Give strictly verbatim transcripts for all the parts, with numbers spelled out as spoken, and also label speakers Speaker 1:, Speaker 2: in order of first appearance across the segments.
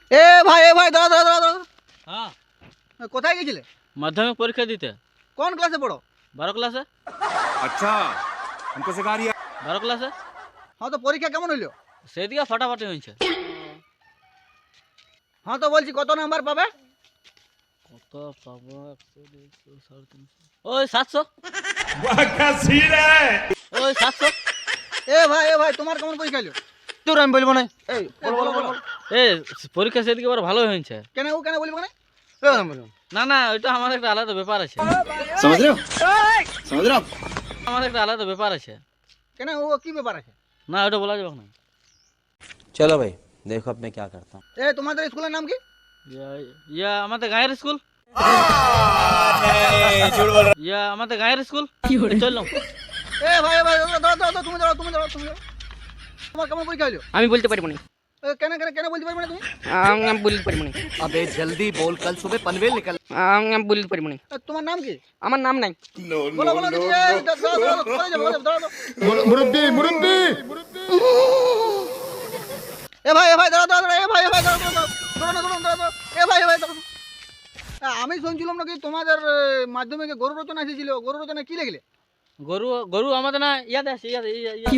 Speaker 1: এ ভাই এ ভাই দাঁড়া দাঁড়া দাঁড়া।
Speaker 2: হ্যাঁ,
Speaker 1: কোথায় গেছিলে?
Speaker 2: মাধ্যমিক পরীক্ষা দিতে।
Speaker 1: কোন ক্লাসে পড়ো?
Speaker 2: বারো ক্লাসে।
Speaker 3: अच्छा हमको सिखा रही है।
Speaker 2: বারো ক্লাসে।
Speaker 1: হ্যাঁ তো পরীক্ষা কেমন হইলো?
Speaker 2: সেদিকে ফাটাফাটি হয়েছে।
Speaker 1: হ্যাঁ তো বলছি কত নাম্বার পাবে?
Speaker 2: কত পাবো? একশো, দুইশো, সাড়ে তিনশো, ওই সাতশো। ওই সাতশো।
Speaker 1: এ ভাই এ ভাই তোমার কেমন পরীক্ষা হইলো?
Speaker 4: তোর আমি বলবো না।
Speaker 1: এই বলো বলো বলো।
Speaker 2: এ পরীক্ষা সেদিকে বড় ভালো হয়েছে।
Speaker 1: কেন ও কেন বলবো না?
Speaker 4: তোর আমি বলবো।
Speaker 2: না না, ওইটা আমার একটা আলাদা ব্যাপার আছে।
Speaker 4: समझ रहे हो समझ रहे हो आप?
Speaker 2: আমার একটা আলাদা ব্যাপার আছে।
Speaker 1: কেন ও কি ব্যাপার আছে?
Speaker 2: না, ওইটা বলা যাবে না।
Speaker 5: चलो भाई देखो अब मैं क्या करता हूँ।
Speaker 1: এ তোমাদের স্কুলের নাম কি?
Speaker 2: ইয়া- ইয়া আমাদের গায়ের স্কুল। ইয়া আমাদের গায়ের স্কুল। চললাম।
Speaker 1: এ ভাই এ ভাই দাঁড়াও দাঁড়াও দাঁড়াও, তুমি দাঁড়াও তুমি দাঁড়াও তুমি দাঁড়াও। তোমার কেমন পরীক্ষা হইলো?
Speaker 6: আমি বলতে পারবো না।
Speaker 1: এ, কেন কেন কেন বলতে পারবে না তুমি?
Speaker 6: আমি আমি বলতে পারবো না।
Speaker 4: अबे जल्दी बोल कल सुबह पनवेल निकल।
Speaker 6: আমি আমি বলতে পারবো না।
Speaker 1: এ, তোমার নাম কি?
Speaker 6: আমার নাম নাই।
Speaker 1: বলো বলো দেখি, এ, দাঁড়াও, দাঁড়াও, দাঁড়াও, কোথায় যাবো? দাঁড়াও, দাঁড়াও।
Speaker 4: मुरब्बी मुरब्बी
Speaker 1: এ ভাই এ ভাই দাঁড়াও দাঁড়াও দাঁড়াও, এ ভাই এ ভাই দাঁড়াও দাঁড়াও দাঁড়াও দাঁড়াও দাঁড়াও দাঁড়াও, এ ভাই এ ভাই দাঁড়াও। এ, আমি শুনছিলাম নাকি তোমাদের এ, মাধ্যমিকে গরু রচনা এসেছিল, গরু রচনা কি লিখলে?
Speaker 2: গরু গরু আমাদের না ইয়াদ আছে, ইয়াদ ইয়া- ইয়া-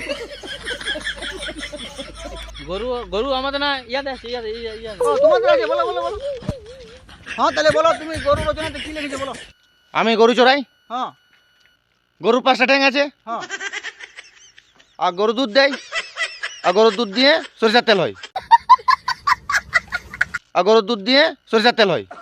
Speaker 2: গরু গরু আমাদের না ইয়াদ আছে, ইয়াদ ইয়া- ইয়া-
Speaker 1: ও তোমাদের আছে, বলো বলো বলো। হ্যাঁ তাহলে বলো তুমি গরু রচনাতে কি লিখেছো বলো।
Speaker 4: আমি গরু চড়াই।
Speaker 1: হ্যাঁ
Speaker 4: গরুর পাঁচটা ঠ্যাং আছে
Speaker 1: হ্যাঁ
Speaker 4: আর গরু দুধ দেয় আর গরুর দুধ দিয়ে সরিষার তেল হয় আর গরুর দুধ দিয়ে সরিষার তেল হয়।